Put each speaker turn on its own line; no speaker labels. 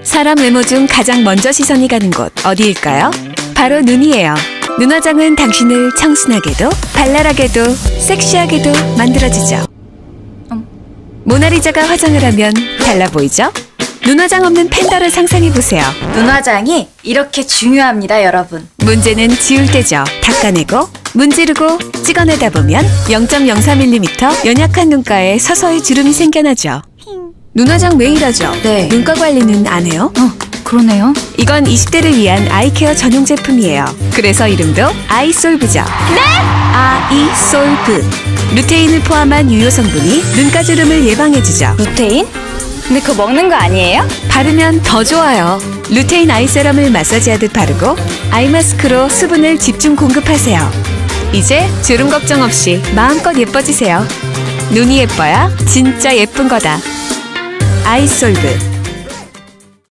사람 외모 중 가장 먼저 시선이 가는 곳 어디일까요? 바로 눈이에요. 눈화장은 당신을 청순하게도 발랄하게도 섹시하게도 만들어주죠. 모나리자가 화장을 하면 달라 보이죠? 눈화장 없는 팬더를 상상해보세요.
눈화장이 이렇게 중요합니다, 여러분.
문제는 지울 때죠. 닦아내고 문지르고 찍어내다 보면 0.03mm 연약한 눈가에 서서히 주름이 생겨나죠. 눈화장 매일 하죠?
네.
눈가 관리는 안 해요?
그러네요.
이건 20대를 위한 아이케어 전용 제품이에요. 그래서 이름도 아이솔브죠. 네? 아이솔브. 루테인을 포함한 유효 성분이 눈가 주름을 예방해주죠.
루테인? 근데 그거 먹는 거 아니에요?
바르면 더 좋아요. 루테인 아이 세럼을 마사지하듯 바르고 아이 마스크로 수분을 집중 공급하세요. 이제 주름 걱정 없이 마음껏 예뻐지세요. 눈이 예뻐야 진짜 예쁜 거다. 아이솔브.